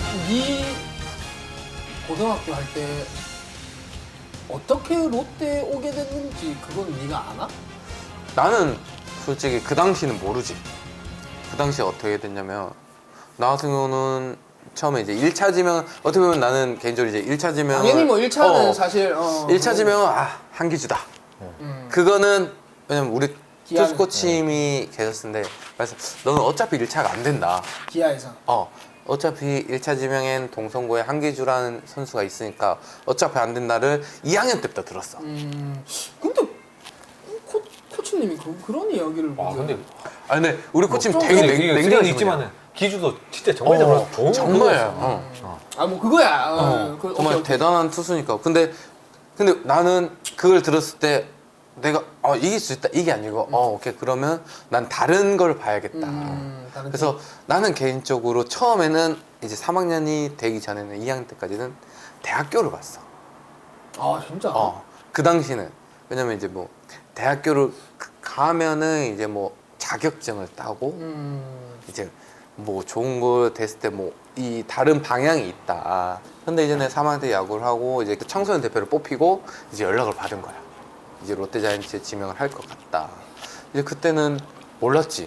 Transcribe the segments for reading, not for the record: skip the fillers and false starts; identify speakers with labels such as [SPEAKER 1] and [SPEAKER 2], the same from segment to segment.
[SPEAKER 1] 네 고등학교 할 때 어떻게 롯데 오게 됐는지 그건 네가 아나?
[SPEAKER 2] 나는 솔직히 그 당시는 모르지. 그 당시에 어떻게 됐냐면 나 같은 경우는 처음에 이제 1차 지명 어떻게 보면 나는 개인적으로 이제 1차 지명
[SPEAKER 1] 당연히 뭐 1차는 사실
[SPEAKER 2] 1차 지명은 한기주다. 그거는 왜냐면 우리
[SPEAKER 1] 기아는-
[SPEAKER 2] 투수 코치님이 계셨는데 그래서 너는 어차피 1차가 안 된다.
[SPEAKER 1] 기아에서.
[SPEAKER 2] 어차피 1차 지명엔 동성고에 한기주라는 선수가 있으니까 어차피 안 된다를 2학년 때부터 들었어.
[SPEAKER 1] 근데 코치님이 그런 이야기를
[SPEAKER 3] 근데
[SPEAKER 2] 근데 우리 코치님
[SPEAKER 1] 좀
[SPEAKER 2] 되게
[SPEAKER 3] 이게
[SPEAKER 2] 냉정하시거든요.
[SPEAKER 3] 쓰레기 있지만은 기주도 진짜 정말 잘하고 좋은
[SPEAKER 2] 정말요.
[SPEAKER 1] 뭐 그거야.
[SPEAKER 2] 정말
[SPEAKER 1] 오케이.
[SPEAKER 2] 대단한 투수니까. 근데 나는 그걸 들었을 때 내가 이길 수 있다 이게 아니고 오케이 그러면 난 다른 걸 봐야겠다.
[SPEAKER 1] 다른
[SPEAKER 2] 그래서 나는 개인적으로 처음에는 이제 3학년이 되기 전에는 2학년 때까지는 대학교를 봤어.
[SPEAKER 1] 진짜?
[SPEAKER 2] 그 당시는 왜냐면 이제 뭐 대학교를 가면은 이제 뭐 자격증을 따고 이제 뭐 좋은 거 됐을 때 뭐 이 다른 방향이 있다. 근데 이제 내 3학년 때 야구를 하고 이제 청소년 대표를 뽑히고 이제 연락을 받은 거야. 이제 롯데자이언츠에 지명을 할 것 같다. 이제 그때는 몰랐지.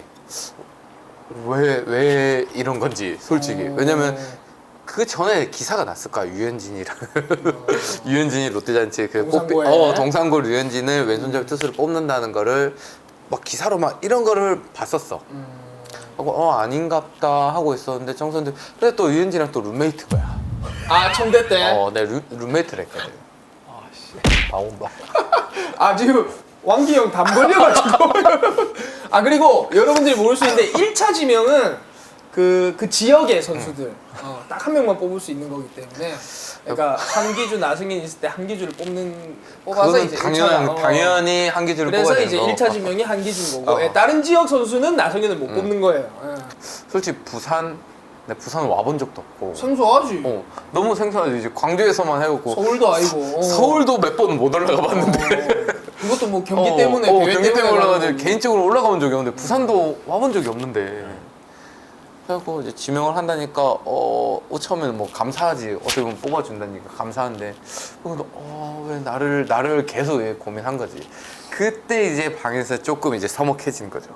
[SPEAKER 2] 왜 이런 건지 솔직히. 왜냐면 그 전에 기사가 났을 거야. 유현진이랑 유현진이 롯데자이언츠에 그
[SPEAKER 1] 동산고에.
[SPEAKER 2] 동산고 유현진을 왼손잡이 투수를 뽑는다는 거를 막 기사로 막 이런 거를 봤었어. 하고 아닌갑다 하고 있었는데 청소년들 근데 또 유현진이랑 또 룸메이트 거야.
[SPEAKER 1] 청대 때?
[SPEAKER 2] 내 룸메이트를 했거든.
[SPEAKER 3] 다 온다.
[SPEAKER 1] 지금 왕기형 담 걸려가지고. 그리고 여러분들이 모를 수 있는데 1차 지명은 그 지역의 선수들 딱 한 명만 뽑을 수 있는 거기 때문에 그러니까 한기주 나승인 있을 때 한기주를 뽑아서
[SPEAKER 2] 그거는
[SPEAKER 1] 이제
[SPEAKER 2] 당연히 한기주를
[SPEAKER 1] 그래서
[SPEAKER 2] 뽑아야
[SPEAKER 1] 이제
[SPEAKER 2] 되는 거.
[SPEAKER 1] 1차 지명이 한기주인 거고 다른 지역 선수는 나승인을 못 뽑는 거예요.
[SPEAKER 2] 솔직히 부산 와본 적도 없고
[SPEAKER 1] 생소하지.
[SPEAKER 2] 너무 생소하지. 이제 광주에서만 해오고
[SPEAKER 1] 서울도 아니고.
[SPEAKER 2] 서울도 몇 번은 못 올라가 봤는데
[SPEAKER 1] 그것도 뭐 경기 때문에 대회
[SPEAKER 2] 경기 때문에 올라가지
[SPEAKER 1] 가는 거고.
[SPEAKER 2] 개인적으로 올라가본 적이 없는데 부산도 와본 적이 없는데 그래갖고 이제 지명을 한다니까 처음에는 뭐 감사하지. 어떻게 보면 뽑아준다니까 감사한데 근데 왜 나를 계속 왜 고민한 거지. 그때 이제 방에서 조금 이제 서먹해진 거죠.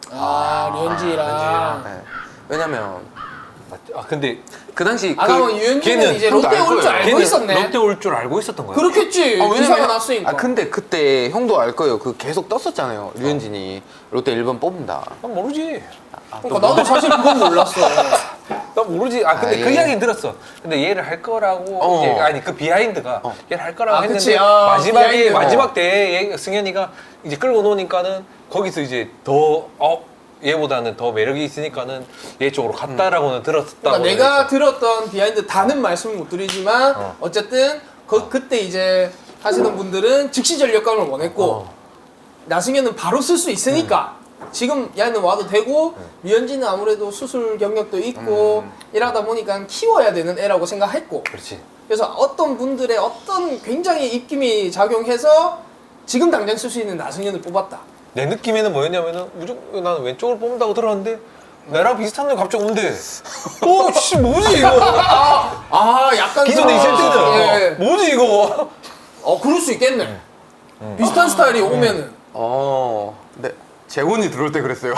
[SPEAKER 1] 류현진이랑.
[SPEAKER 2] 네. 왜냐면
[SPEAKER 3] 근데
[SPEAKER 2] 그 당시
[SPEAKER 1] 그럼 유현진은 이제
[SPEAKER 2] 형도
[SPEAKER 1] 롯데
[SPEAKER 2] 알
[SPEAKER 1] 올 줄
[SPEAKER 2] 거예요.
[SPEAKER 1] 알고 있었네.
[SPEAKER 3] 롯데 올 줄 알고 있었던 거야.
[SPEAKER 1] 그렇겠지. 기사가 났으니까.
[SPEAKER 2] 근데 그때 형도 알 거예요. 그 계속 떴었잖아요. 류현진이 롯데 1번 뽑는다.
[SPEAKER 3] 난 모르지.
[SPEAKER 1] 그러니까 나도 사실 그건 몰랐어.
[SPEAKER 3] 난 모르지. 근데 그 이야기는 들었어. 근데 얘를 할 거라고 이제 그 비하인드가 얘를 할 거라고 했는데
[SPEAKER 1] 그치.
[SPEAKER 3] 마지막에
[SPEAKER 1] 비하인드.
[SPEAKER 3] 마지막 대회에 승현이가 이제 끌고 노니까는 거기서 이제 더 얘보다는 더 매력이 있으니까는 얘 쪽으로 갔다라고는 들었다고.
[SPEAKER 1] 그러니까 내가 들었던 비하인드 다는 말씀을 못 드리지만 어쨌든 그때 이제 하시는 분들은 즉시 전력감을 원했고 나승현은 바로 쓸 수 있으니까 지금 야는 와도 되고 류현진은 아무래도 수술 경력도 있고 이러다 보니까 키워야 되는 애라고 생각했고
[SPEAKER 3] 그렇지.
[SPEAKER 1] 그래서 어떤 분들의 어떤 굉장히 입김이 작용해서 지금 당장 쓸 수 있는 나승현을 뽑았다.
[SPEAKER 3] 내 느낌에는 뭐였냐면은 무조건 나는 왼쪽을 뽑는다고 들었는데 나랑 비슷한 애 갑자기 온대. 씨 뭐지 이거?
[SPEAKER 1] 약간
[SPEAKER 3] 기존에 있을 때는 뭐지 이거?
[SPEAKER 1] 그럴 수 있겠네. 비슷한 스타일이 오면은.
[SPEAKER 2] 근데 재훈이 들어올 때 그랬어요.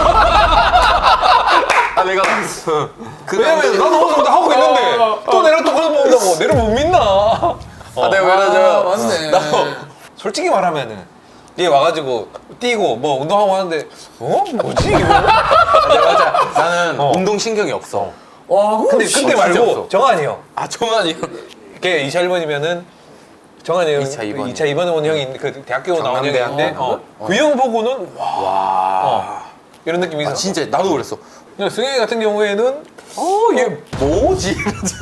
[SPEAKER 2] 내가
[SPEAKER 3] 왜냐면 나도 어느 정도 하고 있는데 또 내랑 똑같은 거 본다고 내를 못 믿나?
[SPEAKER 2] 내가 왜 그러죠?
[SPEAKER 1] 맞네.
[SPEAKER 3] 솔직히 말하면은 얘 와가지고 뛰고 뭐 운동하고 하는데 뭐지 이거?
[SPEAKER 2] 맞아. 나는 운동 신경이 없어.
[SPEAKER 3] 근데 그때 말고
[SPEAKER 2] 없어.
[SPEAKER 3] 정한이 형.
[SPEAKER 2] 정한이.
[SPEAKER 3] 걔 2차 1번이면은 정한이 형
[SPEAKER 2] 2차 2번.
[SPEAKER 3] 2차 2번에 온 형이 그 대학교 나온 형이 있는데 그 형 보고는 이런 느낌이 있었어.
[SPEAKER 2] 진짜 나도 그랬어.
[SPEAKER 3] 근데 승현이 같은 경우에는
[SPEAKER 2] 얘 뭐지?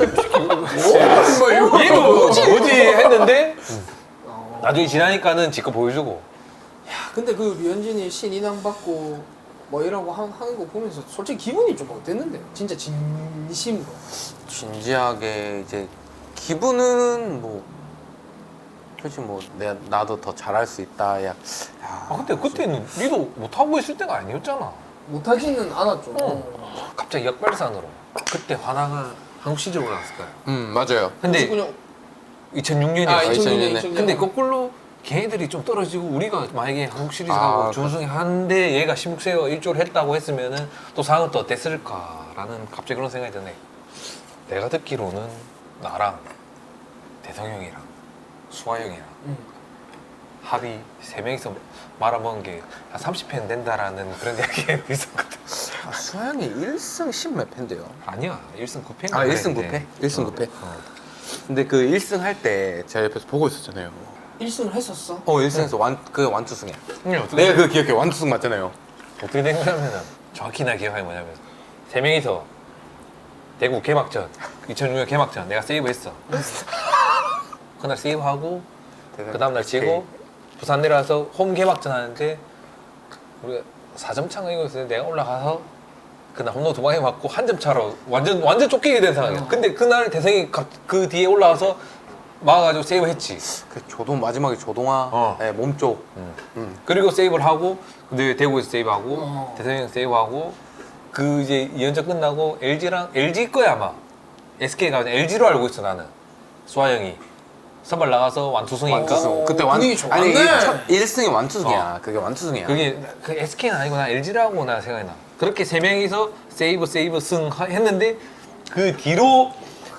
[SPEAKER 3] 얘 뭐지 했는데 나중에 지나니까는 지껏 보여주고.
[SPEAKER 1] 근데 그 류현진이 신인왕 받고 뭐 이라고 하는 거 보면서 솔직히 기분이 좀 어땠는데? 진짜 진심으로.
[SPEAKER 2] 진지하게 이제 기분은 뭐 솔직히 뭐 나도 더 잘할 수 있다.
[SPEAKER 3] 근데 그때는 니도 못하고 있을 때가 아니었잖아.
[SPEAKER 1] 못하지는 않았죠.
[SPEAKER 3] 갑자기 역발산으로 그때 화나가 한국 시리즈 올라갔을 거야.
[SPEAKER 2] 맞아요.
[SPEAKER 3] 근데
[SPEAKER 1] 99년
[SPEAKER 3] 2006년이었어.
[SPEAKER 1] 아
[SPEAKER 2] 2006
[SPEAKER 1] 2006년
[SPEAKER 3] 근데 거꾸로 걔네들이 좀 떨어지고 우리가 만약에 한국 시리즈
[SPEAKER 2] 아,
[SPEAKER 3] 가고 준우승 하는데 얘가 16세가 일조를 했다고 했으면은 또 상황은 또 어땠을까라는 갑자기 그런 생각이 드네. 내가 듣기로는 나랑 대성 형이랑 수아 형이랑 합의 3명이서 말아먹은 게 한 30편 된다라는 그런 이야기가 있었거든.
[SPEAKER 2] 수아형이 1승 10몇 패인데요.
[SPEAKER 3] 아니야 1승 9패인가
[SPEAKER 2] 아 1승 9패? 1승 9패. 근데 그 1승 할 때 제가 옆에서 보고 있었잖아요.
[SPEAKER 1] 1승을 했었어?
[SPEAKER 2] 1승에서 완투승이야.
[SPEAKER 3] 어떻게,
[SPEAKER 2] 내가 그거 기억해. 완투승 맞잖아요.
[SPEAKER 3] 어떻게 된 거냐면은 정확히 나 기억하기 뭐냐면 3명이서 대구 개막전 2006년 개막전 내가 세이브했어. 그날 세이브하고 그 다음날 지고 부산 내려와서 홈 개막전 하는데 우리가 4점 차가 이거였는데 내가 올라가서 그날 홈런 2방에 맞고 한 점 차로 완전 쫓기게 된 상황이야. 근데 그날 대성이 그 뒤에 올라와서 막아가지고 세이브했지.
[SPEAKER 2] 그 마지막에 조동아 네, 몸쪽.
[SPEAKER 3] 그리고 세이브를 하고 근데 대구에서 세이브하고
[SPEAKER 1] 어.
[SPEAKER 3] 대성이 세이브하고 그 이제 2연전 끝나고 LG 거야 아마 SK가 아니라 LG로 알고 있어 나는. 수아 형이 선발 나가서 완투승이니까
[SPEAKER 1] 완투승.
[SPEAKER 2] 그때
[SPEAKER 1] 분위기 좋았네.
[SPEAKER 2] 아니 1승이 완투승이야. 그게 완투승이야.
[SPEAKER 3] 그게 그 SK는 아니고 나 LG라고 나 생각이 나. 그렇게 3명이서 세이브 승 했는데 그 뒤로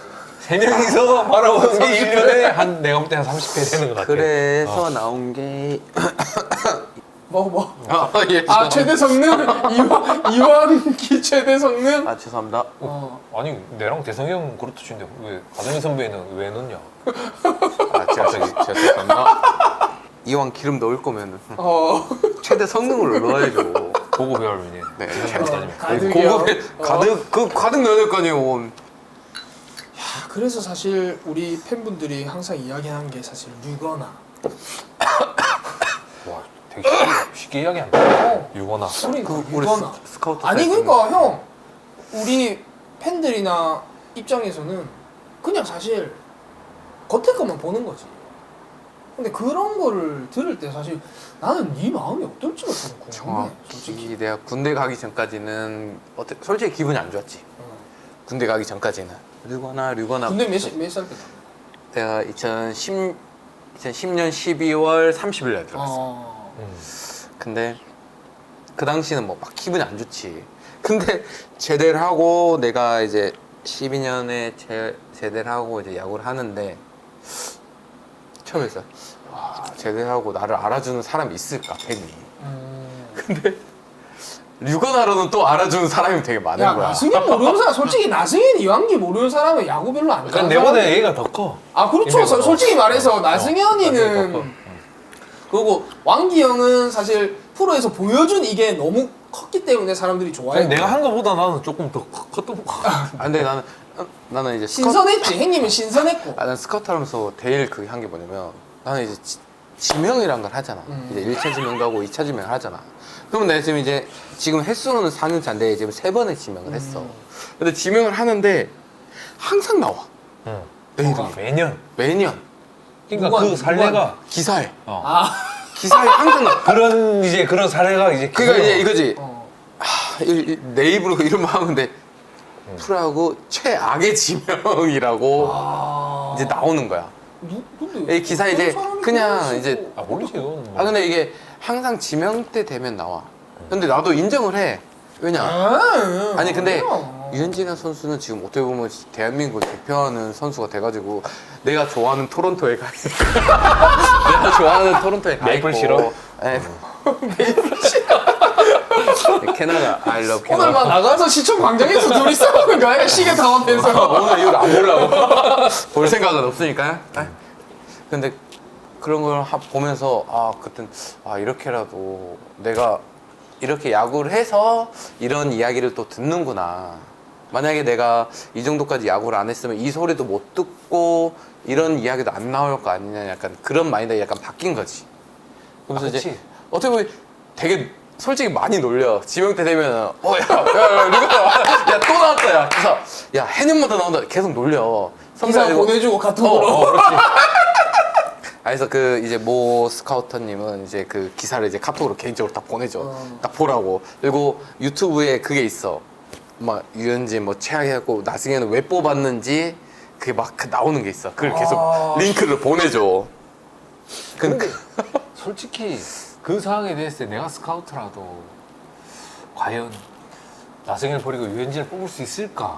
[SPEAKER 3] 3명이서 바라보는 게 1년에 한 내가 볼 때 한 30회 되는 것 같아.
[SPEAKER 2] 그래서 나온 게
[SPEAKER 1] 뭐?
[SPEAKER 2] 예.
[SPEAKER 1] 아 최대 성능? 이완기 최대 성능?
[SPEAKER 2] 아 죄송합니다.
[SPEAKER 3] 아니 내랑 대성이 형 그렇다 치는데 왜 가정희 선배는 왜 넣냐?
[SPEAKER 2] 아 제가 죄송합니다. 이왕 기름 넣을 거면 최대 성능을 넣어야죠.
[SPEAKER 3] 고급 배열이네.
[SPEAKER 2] 네.
[SPEAKER 1] 가득이요?
[SPEAKER 2] 고급에 가득 넣어야 될 거 아니에요.
[SPEAKER 1] 아, 그래서 사실 우리 팬분들이 항상 이야기하는 게 사실 류거나
[SPEAKER 3] 와 되게 쉽게 이야기한다. 유거나.
[SPEAKER 1] 그러니까
[SPEAKER 2] 우리
[SPEAKER 1] 류거나
[SPEAKER 2] 스카우트
[SPEAKER 1] 아니
[SPEAKER 2] 사이트는
[SPEAKER 1] 그러니까 형 우리 팬들이나 입장에서는 그냥 사실 겉에 것만 보는 거지. 근데 그런 거를 들을 때 사실 나는 네 마음이 어떨지가 좀 궁금해. 솔직히.
[SPEAKER 2] 정확히 내가 군대 가기 전까지는 솔직히 기분이 안 좋았지. 군대 가기 전까지는 류거나
[SPEAKER 1] 근데 몇 살 때?
[SPEAKER 2] 내가 2010년 12월 30일 날 들어갔어. 근데 그 당시는 뭐 막 기분이 안 좋지. 근데 제대를 하고 내가 이제 12년에 제대를 하고 이제 야구를 하는데 처음에 있어. 와, 제대를 하고 나를 알아주는 사람이 있을까 팬이. 근데 류거나로는 또 알아주는 사람이 되게 많은
[SPEAKER 1] 야
[SPEAKER 2] 거야.
[SPEAKER 1] 나승현 모르는 사람 솔직히 나승현 이완기 모르는 사람은 야구 별로 안
[SPEAKER 3] 그러니까
[SPEAKER 1] 좋아하는
[SPEAKER 3] 내보다
[SPEAKER 1] 사람이야.
[SPEAKER 3] 얘가 더 커.
[SPEAKER 1] 아 그렇죠.
[SPEAKER 3] 인맥으로.
[SPEAKER 1] 솔직히 말해서
[SPEAKER 3] 나승현이 더 커.
[SPEAKER 1] 나승현이는 그리고 왕기 형은 사실 프로에서 보여준 이게 너무 컸기 때문에 사람들이 좋아해.
[SPEAKER 3] 내가 한 거보다 나는 조금 더 컸던 거 같아.
[SPEAKER 2] 아, 근데 나는 이제
[SPEAKER 1] 신선했지. 형님은 신선했고.
[SPEAKER 2] 난 스카우트 하면서 제일 그게 한 게 뭐냐면 나는 이제 지명이란 걸 하잖아. 이제 1차 지명도 하고 2차 지명을 하잖아. 그러면 내가 지금 횟수로는 4년 차인데 지금 3번의 지명을 했어. 근데 지명을 하는데 항상 나와. 내 이름이.
[SPEAKER 3] 매년.
[SPEAKER 2] 매년
[SPEAKER 3] 그러니까
[SPEAKER 1] 누구한테,
[SPEAKER 3] 그 사례가
[SPEAKER 2] 기사에
[SPEAKER 1] 아.
[SPEAKER 2] 기사에 항상 나와.
[SPEAKER 3] 그런 사례가 이제
[SPEAKER 2] 그러니까 이제 이거지.
[SPEAKER 1] 어.
[SPEAKER 2] 내 입으로 그 이름 하면 돼. 프로야구 최악의 지명이라고
[SPEAKER 1] 아.
[SPEAKER 2] 이제 나오는 거야.
[SPEAKER 1] 근데
[SPEAKER 2] 이 기사 이제
[SPEAKER 1] 사람이
[SPEAKER 2] 그냥
[SPEAKER 1] 그럴 수
[SPEAKER 2] 이제
[SPEAKER 1] 있고.
[SPEAKER 3] 아 모르지 이거는 뭐.
[SPEAKER 2] 아 근데 이게 항상 지명 때 되면 나와. 근데 나도 인정을 해. 왜냐? 아니 근데
[SPEAKER 1] 아니야.
[SPEAKER 2] 유현진이라는 선수는 지금 어떻게 보면 대한민국을 대표하는 선수가 돼가지고 내가 좋아하는 토론토에 가 내가 좋아하는 토론토에 가
[SPEAKER 3] 메이플
[SPEAKER 2] 있고.
[SPEAKER 3] 싫어?
[SPEAKER 2] 네. 캐나다 I love 캐나다.
[SPEAKER 1] 오늘만 나가서 시청 광장에서 둘이 싸우는 거야. 시계 당하면서.
[SPEAKER 2] 오늘 이걸 안 보려고 볼 생각은 없으니까요. 근데 그런 걸 보면서 그땐 이렇게라도 내가 이렇게 야구를 해서 이런 이야기를 또 듣는구나. 만약에 내가 이 정도까지 야구를 안 했으면 이 소리도 못 듣고 이런 이야기도 안 나올 거 아니냐. 약간 그런 마인드가 약간 바뀐 거지. 그러면서 이제
[SPEAKER 3] 그치.
[SPEAKER 2] 어떻게 보면 되게 솔직히 많이 놀려. 지명 때 되면 야 또 나왔다 야. 그래서 야 해년마다 나온다. 계속 놀려.
[SPEAKER 1] 기사
[SPEAKER 2] 선배가
[SPEAKER 1] 보내주고 카톡으로.
[SPEAKER 3] 그렇지.
[SPEAKER 2] 그래서 그 이제 모 스카우터님은 이제 그 기사를 이제 카톡으로 개인적으로 딱 보내줘. 딱 보라고. 그리고 유튜브에 그게 있어. 막 유현진 뭐 최악이었고 나승현은 왜 뽑았는지 그게 막 나오는 게 있어. 그걸 계속 링크를 보내줘.
[SPEAKER 3] 근데 솔직히 그 상황에 대했을 때 내가 스카우트라도 과연 나승현을 버리고 유현진을 뽑을 수 있을까?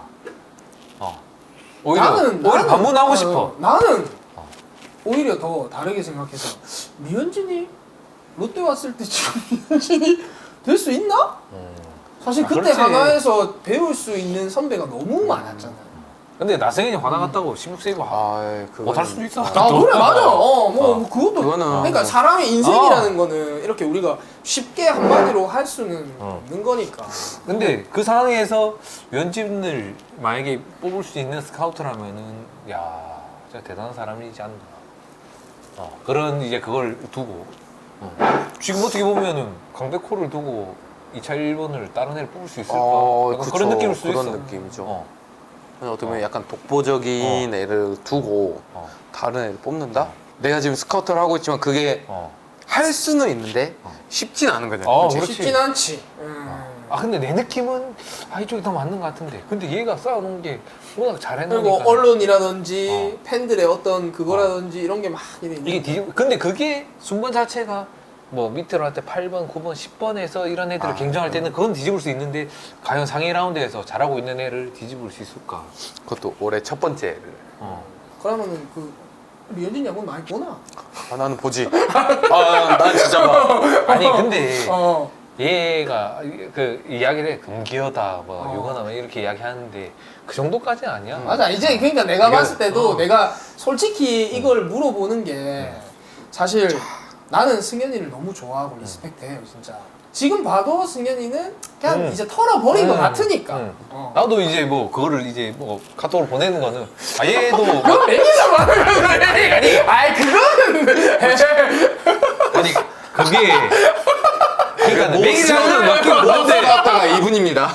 [SPEAKER 3] 오히려 반문하고 싶어.
[SPEAKER 1] 나는 오히려 더 다르게 생각해서 류현진이 롯데 왔을 때 지금 류현진이 될 수 있나? 사실 그때
[SPEAKER 3] 그렇지.
[SPEAKER 1] 하나에서 배울 수 있는 선배가 너무 많았잖아.
[SPEAKER 3] 근데 나승현이 화나 갔다고 16세이브 못할 수도 있어.
[SPEAKER 1] 아 그래 맞아. 뭐 그것도
[SPEAKER 2] 그거는
[SPEAKER 1] 그러니까 사람의 인생이라는 거는 이렇게 우리가 쉽게 한마디로 할 수는 없는 거니까.
[SPEAKER 3] 근데 그 상황에서 유현진을 만약에 뽑을 수 있는 스카우트라면은 야 진짜 대단한 사람이지 않나. 그런 이제 그걸 두고 지금 어떻게 보면은 강백호를 두고 2차 1번을 다른 애를 뽑을 수 있을까? 약간
[SPEAKER 2] 그쵸.
[SPEAKER 3] 그런 느낌일 수도
[SPEAKER 2] 그런
[SPEAKER 3] 있어.
[SPEAKER 2] 느낌이죠. 어떻게 보면 약간 독보적인 애를 두고 다른 애를 뽑는다? 내가 지금 스카우트를 하고 있지만 그게 할 수는 있는데 쉽진 않은 거잖아.
[SPEAKER 3] 그렇지.
[SPEAKER 1] 쉽진 않지.
[SPEAKER 3] 근데 내 느낌은 이쪽이 더 맞는 것 같은데. 근데 얘가 쌓아놓은 게 워낙 잘해놓으니까.
[SPEAKER 1] 그리고 언론이라든지 팬들의 어떤 그거라든지 이런 게 막 이래 있는
[SPEAKER 3] 이게 근데 그게 순번 자체가 뭐 밑으로 할 때 8번, 9번, 10번에서 이런 애들을 경쟁할 때는 그건 뒤집을 수 있는데 과연 상위 라운드에서 잘하고 있는 애를 뒤집을 수 있을까?
[SPEAKER 2] 그것도 올해 첫 번째를.
[SPEAKER 1] 그러면은 그 류현진 야구 많이 보나?
[SPEAKER 2] 나는 보지. 난 진짜 봐.
[SPEAKER 3] 아니 근데
[SPEAKER 1] 어.
[SPEAKER 3] 얘가 그 이야기를 해. 금기어다 뭐 유거나 뭐 이렇게 이야기하는데 그 정도까지는 아니야.
[SPEAKER 1] 맞아. 이제 그러니까 내가
[SPEAKER 3] 이게-
[SPEAKER 1] 봤을 때도 내가 솔직히 이걸 물어보는 게 사실 나는 승현이를 너무 좋아하고 리스펙트해요 진짜. 지금 봐도 승현이는 그냥 이제 털어버린 것 같으니까.
[SPEAKER 3] 나도 이제 뭐 그거를 이제 뭐 카톡으로 보내는 거는 얘도
[SPEAKER 1] 그건 매니저 말하는 거네. 아이 그거는
[SPEAKER 3] 아니 그게 그러니까 매기라는 맡기고 뭔데
[SPEAKER 2] 모스카트가 이분입니다.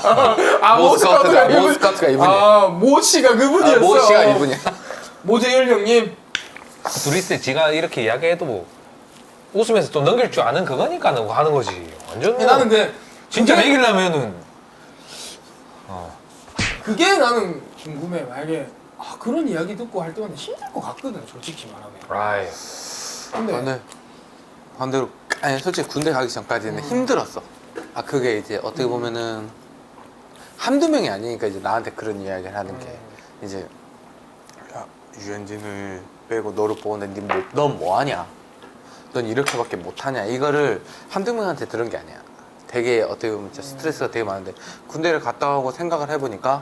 [SPEAKER 2] 모스카트가 이분이야.
[SPEAKER 1] 모 씨가 그분이었어.
[SPEAKER 2] 모 씨가 이분이야.
[SPEAKER 1] 모재열 형님.
[SPEAKER 3] 둘이 있을 때 지가 이렇게 이야기해도 뭐 웃으면서 또 넘길 줄 아는 그거니까 하는 거지. 완전 뭐
[SPEAKER 1] 나는 그
[SPEAKER 3] 진짜
[SPEAKER 1] 그게-
[SPEAKER 3] 매기려면은
[SPEAKER 1] 그게 나는 궁금해. 만약에 그런 이야기 듣고 할 때마다 힘들 것 같거든 솔직히 말하면.
[SPEAKER 3] 아이
[SPEAKER 1] 근데
[SPEAKER 2] 나는 반대로 솔직히 군대 가기 전까지는 힘들었어. 그게 이제 어떻게 보면은 한두 명이 아니니까 이제 나한테 그런 이야기를 하는 게 이제 야, 유현진을 빼고 너를 뽑았는데 넌 뭐하냐? 넌 이렇게밖에 못하냐? 이거를 한두 명한테 들은 게 아니야. 되게 어떻게 보면 진짜 스트레스가 되게 많은데 군대를 갔다 오고 생각을 해보니까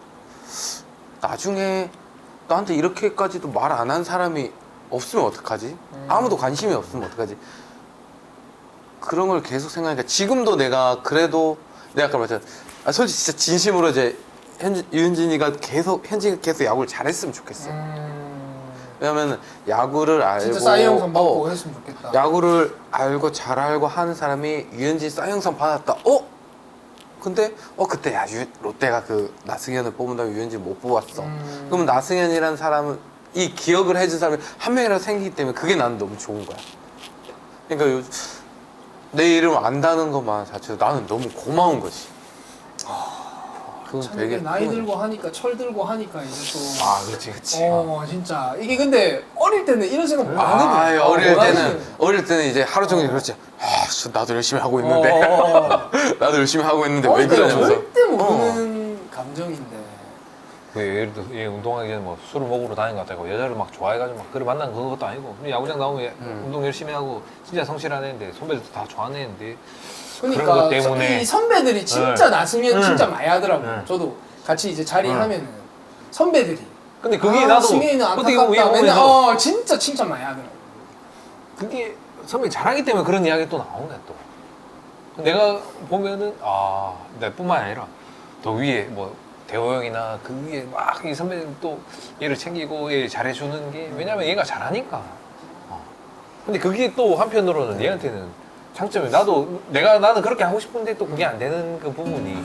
[SPEAKER 2] 나중에 나한테 이렇게까지도 말 안 한 사람이 없으면 어떡하지? 아무도 관심이 없으면 어떡하지? 그런 걸 계속 생각하니까 지금도 내가 그래도 내가 아까 말했잖아. 솔직히 진짜 진심으로 이제 유현진이가 계속 야구를 잘했으면 좋겠어. 왜냐면 야구를 알고
[SPEAKER 1] 진짜 싸이형상 받고 했으면 좋겠다.
[SPEAKER 2] 야구를 알고 잘 알고 하는 사람이 유현진 싸이형상 받았다. 근데 그때 롯데가 그 나승현을 뽑은다고 유현진 못 뽑았어. 그러면 나승현이라는 사람은 이 기억을 해준 사람이 한 명이라도 생기기 때문에 그게 나는 너무 좋은 거야. 그러니까 내 이름 안다는 것만 자체도 나는 너무 고마운 거지. 그건
[SPEAKER 1] 참
[SPEAKER 2] 되게
[SPEAKER 1] 이게 나이
[SPEAKER 2] 큰
[SPEAKER 1] 들고 하니까 철 들고 하니까 이제 또
[SPEAKER 3] 그렇지
[SPEAKER 1] 진짜 이게 근데 어릴 때는 이런 생각 못 하거든.
[SPEAKER 2] 어릴 때는 이제 하루 종일 그렇지. 나도 열심히 하고 있는데 나도 열심히 하고 있는데 왜
[SPEAKER 1] 어릴 때는
[SPEAKER 2] 그러면서
[SPEAKER 1] 절대 모르는 감정인데.
[SPEAKER 3] 예를 들어 얘 운동하기 전에 뭐 술을 먹으러 다닌 것 같다고 여자를 막 좋아해가지고 막 그래 만난 그것도 아니고 그냥 야구장 나오면 운동 열심히 하고 진짜 성실한 애인데 선배들도 다 좋아하는 애인데 그런
[SPEAKER 1] 그러니까
[SPEAKER 3] 것 때문에
[SPEAKER 1] 이 선배들이 진짜 나승현 진짜 많이 하더라고.
[SPEAKER 3] 네.
[SPEAKER 1] 저도 같이 이제 자리하면은 선배들이
[SPEAKER 3] 근데 그게 나도
[SPEAKER 1] 승현이는
[SPEAKER 3] 어떻게 보면
[SPEAKER 1] 안타깝다.
[SPEAKER 3] 얘
[SPEAKER 1] 맨날
[SPEAKER 3] 보면서
[SPEAKER 1] 진짜 칭찬 많이 하더라고.
[SPEAKER 3] 그게 선배 잘하기 때문에 그런 이야기 또 나오네 또 내가 보면은 내뿐만 아니라 더 위에 뭐 대호 형이나 그 위에 막 이 선배들 또 얘를 챙기고 얘 잘해주는 게 왜냐면 얘가 잘하니까 근데 그게 또 한편으로는 얘한테는 장점이 나는 그렇게 하고 싶은데 또 그게 안 되는 그 부분이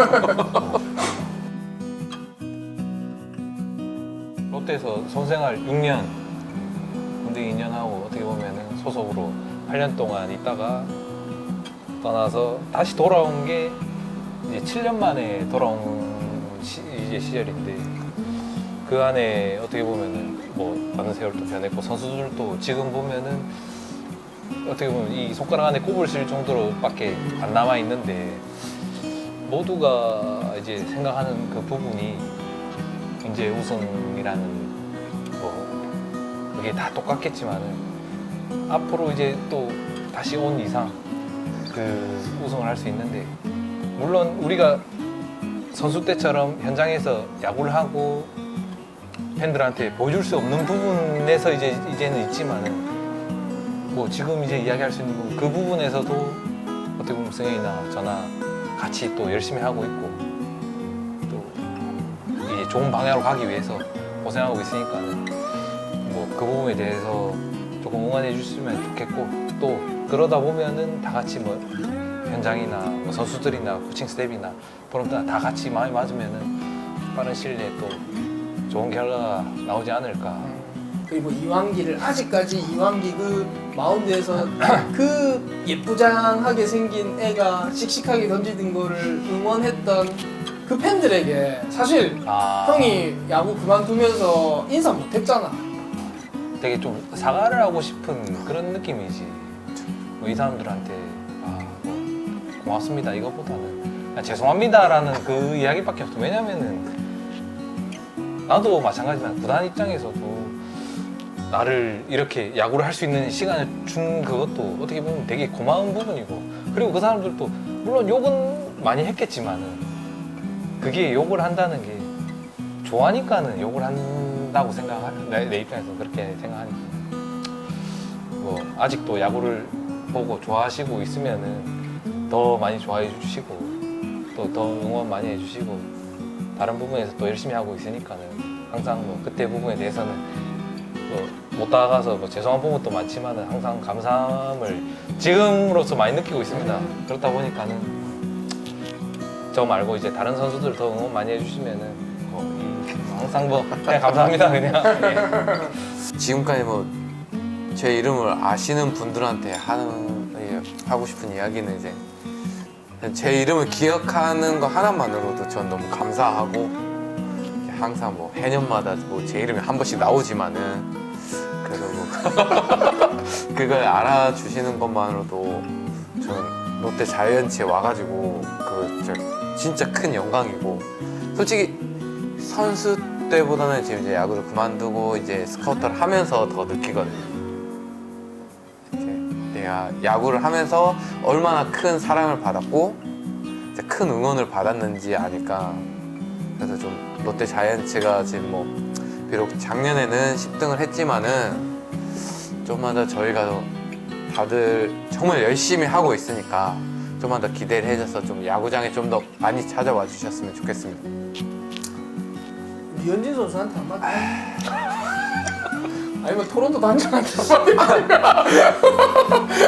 [SPEAKER 3] 롯데에서 선생활 6년 군대 2년 하고 어떻게 보면은 소속으로 8년 동안 있다가 떠나서 다시 돌아온 게 이제 7년 만에 돌아온 이제 시절인데 그 안에 어떻게 보면은 뭐 많은 세월도 변했고 선수들도 지금 보면은 어떻게 보면 이 손가락 안에 꼽을 쓸 정도로밖에 안 남아 있는데 모두가 이제 생각하는 그 부분이 이제 우승이라는 뭐 그게 다 똑같겠지만은 앞으로 이제 또 다시 온 이상 그 우승을 할 수 있는데 물론 우리가 선수 때처럼 현장에서 야구를 하고 팬들한테 보여줄 수 없는 부분에서 이제는 있지만은 뭐 지금 이제 이야기할 수 있는 부분 그 부분에서도 어떻게 보면 승현이나 저나 같이 또 열심히 하고 있고 또 이제 좋은 방향으로 가기 위해서 고생하고 있으니까는 뭐 그 부분에 대해서 조금 응원해 주시면 좋겠고 또 그러다 보면은 다 같이 뭐 현장이나 뭐 선수들이나 코칭 스텝이나 프런트나 다 같이 마음이 맞으면은 빠른 시일 내에 또 좋은 결과가 나오지 않을까.
[SPEAKER 1] 그리고 이완기를 아직까지 이완기 그 마운드에서 그 예쁘장하게 생긴 애가 씩씩하게 던지는 거를 응원했던 그 팬들에게 사실 형이 야구 그만두면서 인사 못했잖아.
[SPEAKER 3] 되게 좀 사과를 하고 싶은 그런 느낌이지. 뭐 이 사람들한테 뭐 고맙습니다 이거보다는 그냥 죄송합니다라는 그 이야기밖에 없어. 왜냐면은 나도 마찬가지지만 구단 입장에서도 나를 이렇게 야구를 할 수 있는 시간을 준 그것도 어떻게 보면 되게 고마운 부분이고 그리고 그 사람들도 물론 욕은 많이 했겠지만은 그게 욕을 한다는 게 좋아하니까는 욕을 한다고 생각하는 내 입장에서 그렇게 생각하니까 뭐 아직도 야구를 보고 좋아하시고 있으면은 더 많이 좋아해 주시고 또 더 응원 많이 해주시고 다른 부분에서 또 열심히 하고 있으니까는 항상 뭐 그때 부분에 대해서는 못 다가가서 뭐 죄송한 부분도 많지만은 항상 감사함을 지금으로서 많이 느끼고 있습니다. 그렇다 보니까는 저 말고 이제 다른 선수들 더 응원 많이 해주시면은 항상 뭐 그냥 감사합니다 그냥. 예.
[SPEAKER 2] 지금까지 뭐 제 이름을 아시는 분들한테 하고 싶은 이야기는 이제 제 이름을 기억하는 거 하나만으로도 전 너무 감사하고 항상 뭐 해년마다 뭐 제 이름이 한 번씩 나오지만은 그래도 뭐 그걸 알아주시는 것만으로도 저는 롯데 자이언츠에 와가지고 진짜 큰 영광이고 솔직히 선수 때보다는 지금 이제 야구를 그만두고 이제 스카우터를 하면서 더 느끼거든요. 내가 야구를 하면서 얼마나 큰 사랑을 받았고 이제 큰 응원을 받았는지 아니까 그래서 좀 롯데 자이언츠가 지금 뭐 비록 작년에는 10등을 했지만은 좀만 더 저희가 다들 정말 열심히 하고 있으니까 좀만 더 기대를 해줘서 좀 야구장에 좀 더 많이 찾아와 주셨으면 좋겠습니다.
[SPEAKER 1] 류현진 선수한테 한마디. 아니면 토론토 단장한테 한마디.